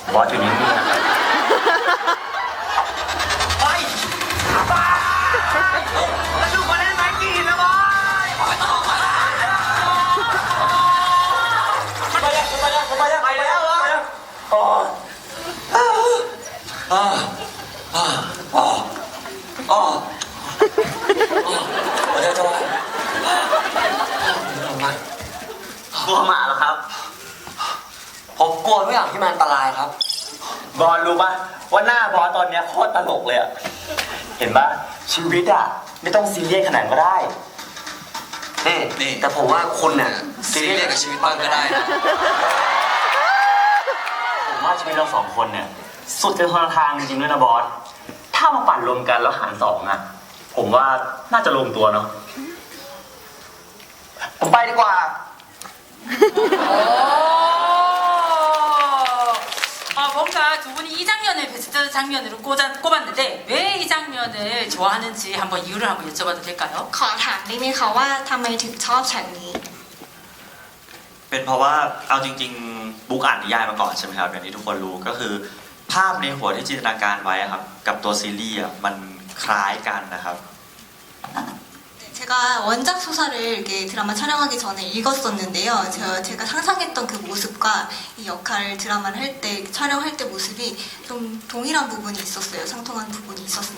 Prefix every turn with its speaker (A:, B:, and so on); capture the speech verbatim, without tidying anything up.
A: บอสอยู่นิ่งๆนะครับไปไปแล้วดูคนเล่นไม้กีนนะบอสไปยังไปยังไปยังไปแล้วไปแล้วอ๋ออ๋ออ๋ออ๋ออ๋ออ๋อเดี๋ยวจะไปกลัวหมาเหรอครับผมกลัวทุกอย่างที่มันอันตรายครับบอลรู้ปะว่าหน้าบอลตอนเนี้ยโคตรตลกเลยอะเห็นปะชีวิตอะไม่ต้องซีเรียสขนาดก็ได้นี่นี่แต่ผมว่าคุณเนี่ยซีเรียสกับชีวิตบ้างก็ได้นะผมว่าชีวิตเราสองคนเนี่ยสุดจะคนละทางจริงๆด้วยนะบอสถ้ามาปั่นรวมกันแล้วหารสองอะผมว่าน่าจะลงตัวเนาะผมไปดีกว่า
B: 아, 뭔가 두 분이 이 장면을 베스트 장면으로 꼽아, 꼽았는데 왜 이 장면을 좋아하는지 한번 이유를 한번 여쭤봐도 될까요?
C: ขอถามได้ไหมคะว่าทำไมถึงชอบฉากนี้
D: เป็นเพราะว่าเอาจริงๆบุ๊กอ่านนิยายมาก่อนใช่ไหมครับอย่างที่ทุกคนรู้ก็คือภาพในหัวที่จินตนาการไว้อะครับกับตัวซีรีส์อะมันคล้ายกันนะครับ
C: 제가 원작 소설을 이렇게 드라마 촬영하기 전에 읽었었는데요. 제가, 제가 상상했던 그 모습과 이 역할 드라마를 할 때, 촬영할 때 모습이 좀 동일한 부분이 있었어요. 상통한 부분이 있었습니다.